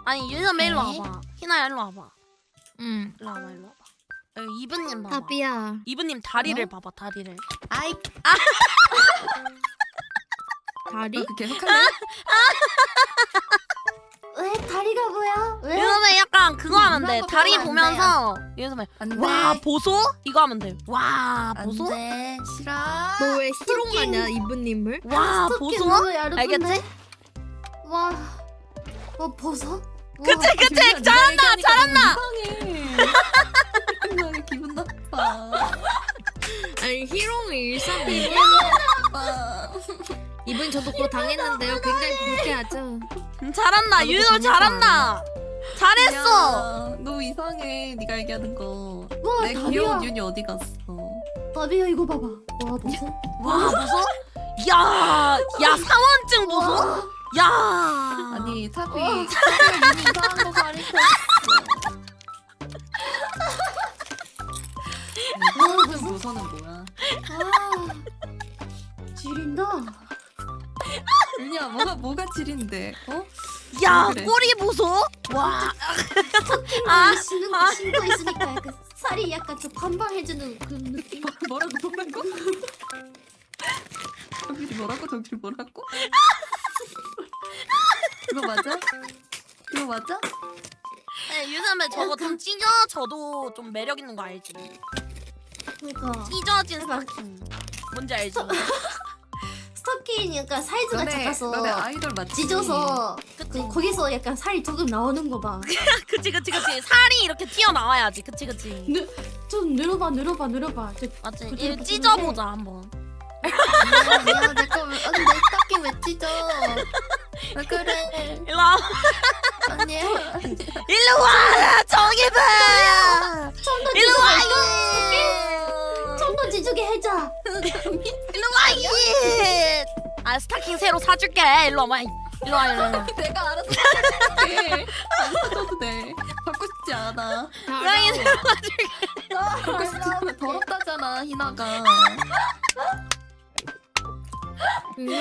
아니 유선배 일로 네. 와봐. 희나야 일로 와봐. 응. 일로 와봐 일로 와봐. 여기 이브님 봐봐. 답이야. 이브님 다리를 어? 봐봐 다리를. 아이 다리? 계속할래? 왜 다리가 뭐야? 왜? 유선배 약간 그거 하면 돼. 그런 거 다리 보면 안 보면서 유선배 안돼. 와 보소? 이거 하면 돼. 와 보소? 안돼. 싫어. 너 왜 희롱하냐 이브님을? 와 스토킹 보소? 너무 얇은데? 알겠지? 와, 버섯? 그치 그치 잘한다 잘한다. 이상해. 기분 나빠. 아니 희롱을 일삼이. 나빠. 이분 저도 그거 당했는데요. 굉장히 불쾌하죠. 잘한다 나도 유선배 그거 잘한다. 잘했어. 야, 너무 이상해. 네가 얘기하는 거. 와, 내 다리야. 귀여운 윤이 어디 갔어? 다리야 이거 봐봐. 와, 버섯? 와 보소? 야 사원증 보소? 와, 야 아니 사비 와. 윤이 이상한 거 가리켰어. 와, 버섯? 노선은 뭐야? 아, 지린다. 윤이야 뭐가 지린데? 어? 야 그래. 꼬리 보소? 와 아, 신고 있으니까 약간 살이 약간 좀 반발해주는 그런 느낌. 뭐라고? 정필이 뭐라고? 정필이 뭐라고? 이거 맞아? 이거 맞아? 네, 유선배 저거 좀 찢어져도 좀 매력 있는 거 알지? 그러니까 찢어진 스타킹 뭔지 알지? 스토킹 약간 사이즈가 작아서 너네 아이돌 맞지? 찢어서 그치? 거기서 약간 살이 조금 나오는 거 봐. 그치 살이 이렇게 튀어나와야지 그치 좀 늘어봐. 저, 맞지? 그치, 이거 그치, 찢어보자 한번 미안 내거 내 스타킹 왜 찢어? 왜 그래? 일로 와 아니야. 일로 와 정희봐 좀더 일로 와 좀더 지주게 해줘. 일로 와 스타킹 새로 사줄게 일로 와봐 일로 와 내가 알아서 할게. 안 사줘도 돼. 받고 싶지 않아. 고양이 새로 사줄게 받고 싶지 않아. 더럽다잖아 희나가.